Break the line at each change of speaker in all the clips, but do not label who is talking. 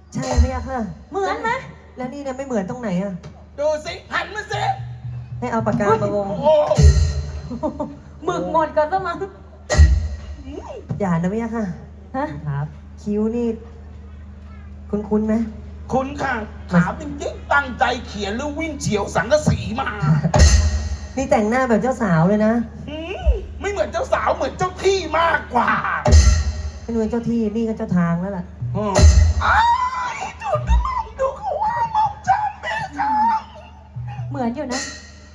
ใช่ไหมอะค่ะ
เหมือนไหม
แล้วนี่เนี่ยไม่เหมือนตรงไหนอะ
ดูสิหันมาสิ
ให้เอาปากกามาวง
โอ้
หมึกหมดกันซะมั้ง
อย่านะไม่อะค่ะ
ฮะ
ครับ คิ้วนี่ คุ้นๆไหม
คุณค่ะถามจริงๆตั้งใจเขียนหรือวิ่งเฉียวสังกะสีมา
นี่แต่งหน้าแบบเจ้าสาวเลยนะ
ไม่เหมือนเจ้าสาวเหมือนเจ้าที่มากกว่า
เป็นเจ้าที่นี่ก็เจ้าทางแล้วล่ะ
อ้ายดูดูดูเขาว่าหมอมจันแม่ค่ะ
เหมือนอยู่นะ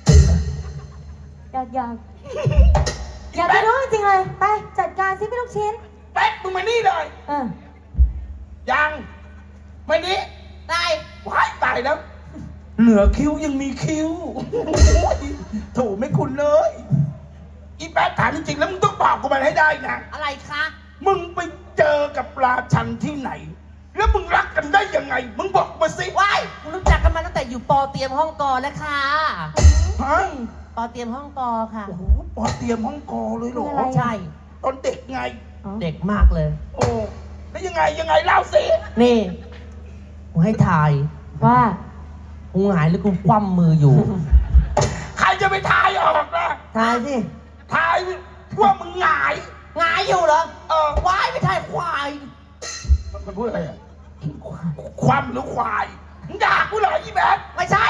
อยากจะรู้จริงๆเลยไปจัดการซิพี่ลูกชิ้น
แป๊กมึงมานี่เลย
เออ
ยังมานี่ตายว้ายตายแล้ว เหลือคิ้วยังมีคิ้วโถไม่คุณเลย อีแป๊กถามจริงๆแล้วมึงต้องบอกกูมันให้ได้นะ
อะไรคะ
มึงไปเจอกับราชันที่ไหน แล้วมึงรักกันได้ยังไง มึงบอกมาสิ
ว้ายคุณรู้จักกันมาตั้งแต่อยู่ปอเตรียมห้องกอแล้วค่ะ
ฮะ
ปอเตรียมห้องกอค่ะ
โอ้โหปอเตรียมห้องกอเลยเหรอ
อะไร
ใช่
ตอนเด็กไง
เด็กมากเลย
โอ้แล้วยังไงเล่าสิ
นี่กูให้ถ่าย
ว่า
กูหงายหรือกูคว่ำมืออยู่
ใครจะไปทายออกล่ะ
ทายสิ
ทายว่ามึงหงาย
หงายอยู่เหรอ
เออ
ว้ายไม่ใช่ควาย
มันพูดอะไรอ่ะความหรือควายมึงด่ากูเหรออีแบท
ไม่ใช่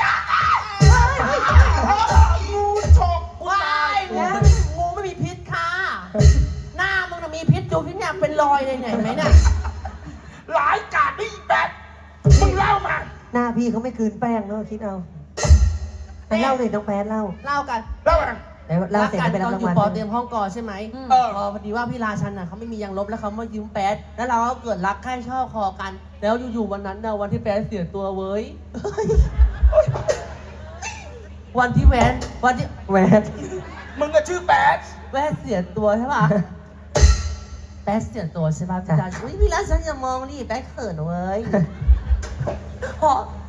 งูฉก
ว้ายงูไม่มีพิษค่ะ หน้ามึงน่ะมีพิษดูพิษเนี่ยเป็นรอยเลยเนี่ยเห็นไหมเนี่ย
หลายกาดนี่อีแบทมึงเล่ามา
หน้าพี่เขาไม่คืนแป้งเนอะคิดเอาไปเล่าเลยน้องแป๊ดเล่า
เล่ากัน
เล่ามา
แล้วเล่าเสร็จ
กั
แล้วไป
ต
รับ
อน
รา
อง ยู่
วัล
ปอเตรียมห้องกอใช่ไหม พอดีว่าพี่ราชันน่ะเขาไม่มียางลบแล้วเขามายืมแป๊ดแล้วเราก็เกิดรักใคร่ชอบคอกัน แล้วอยู่ๆวันนั้นนะวันที่แป๊ดเสียตัวเว้ย วันที่แวนวันที่
แหวน
มึงก็ชื่อแบท
แวนเสียตัวใช่ป่ะ แป๊ดเสียตัวใช่ป่ะพี่ราชันอุ๊ยพี่ราชันอย่ามองดิแป๊ดเขินเว้ยพอ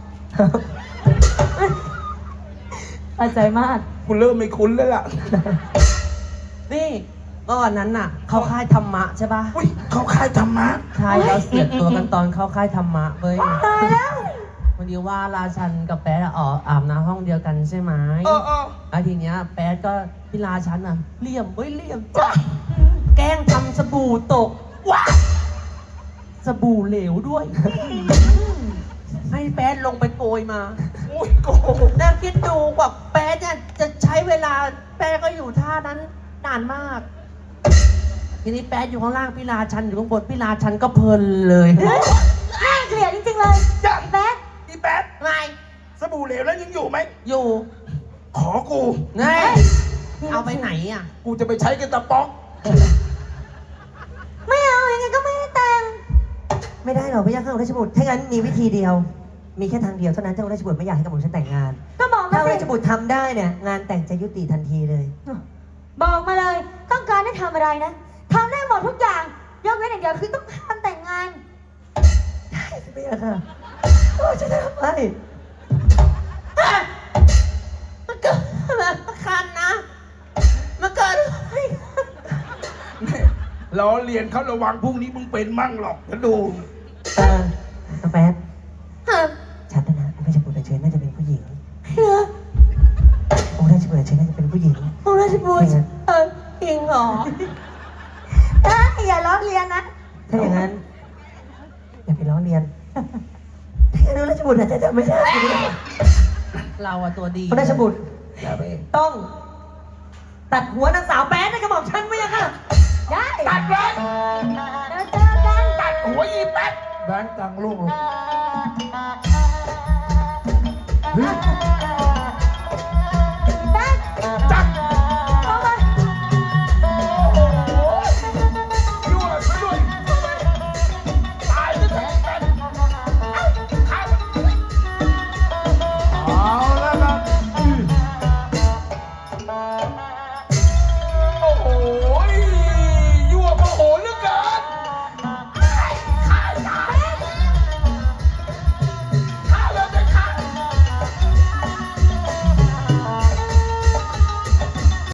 เข้าใจมาก
กูเริ่มไม่คุ้นแล้วล่ะ
นี่ก็วันนั้นน่ะ เข้าค่ายธรรมะใช่ป่ะ
อุ้ยเขาค่ายธรรมะ
ใช่เราเสียตัวกันตอนเข้าค่ายธรรมะเว้ย
ตายแล้ว
วันนี้ว่าราชันกับแป๊ดอะอาบน้ำห้องเดียวกันใช่ไหม
เออ
แล้วทีเนี้ยแป๊ดก็พี่ราชันอะเหลี่ยมเว้ยเหลี่ยมจ้ะแกล้งทำสบู่ตกว้าสบู่เหลวด้วย ให้แป๊ดลงไปโกยมา
อุ้ยโก
แล้วคิดดูกว่าแป๊ดเนี่ยจะใช้เวลาแป๊ดก็อยู่ท่านั้นนานมาก ทีนี้แป๊ดอยู่ข้างล่างพี่ราชันอยู่ข้างบนพี่ราชันก็เพลินเลย
น่าเกลียดจริงๆเลย
ยัง
แบ๊ก
อีแบท
ไง
สบู่เหลวแล้วยังอยู่ไหม
อยู่
ขอกู
ไงเอาไปไหนอ่ะ
กูจะไปใช้กันตะป๊อก
ไม่เอายังไงก็ไม่ให้แต่ง
ไม่ได้หรอกพี่ยักษ์ข้าราชบุตรถ้างั้นมีวิธีเดียว มีแค่ทางเดียวเท่านั้นเจ้าราชบุตรไม่อยากให้กับผมฉันแต่งงาน
ก็บอกมา
ถ้า
สิ
ราชบุตรทำได้เนี่ย งานแต่งจะยุติทันทีเลย
บอกมาเลย ต้องการให้ทำอะไรนะทำได้หมดทุกอย่างยกเว้นอย่างเดียวคือต้องทำแต่งงาน
พี่ยักษ์ค่ะโอ้จะทำไม
มันเกิดอะไรคันนะมันเกิด
ล้อเรียนเขาระวังพรุ่งนี้มึงเป็นมั่งหรอกจะดู
น้องแป๊ดชัดนะองค์ราชบุตรเชิญน่าจะเป็นผู้หญิง
เหรอ
องค์ราชบุตรเชิญน่าจะเป็นผู้หญิง
องค์ราชบุตรจริงเหรอ
อย่าล้อเลียนนะ
ถ้าอย่างนั้น อย่าไปล้อเลียนถ้าอย่างนั้นราชบุตรอาจจะทำไม่ได้
เราอะตัวดี
องค์ราชบุตร
อย่าไป
ต้อง ตัดหัวนางสาวแป๊ดในกระบอกฉันไม่ยังค่ะ
ได้
ตัดเลย
เดี๋ยวเจอกัน
ตัดหัวอีแป๊ด
แบงค์กลางลูก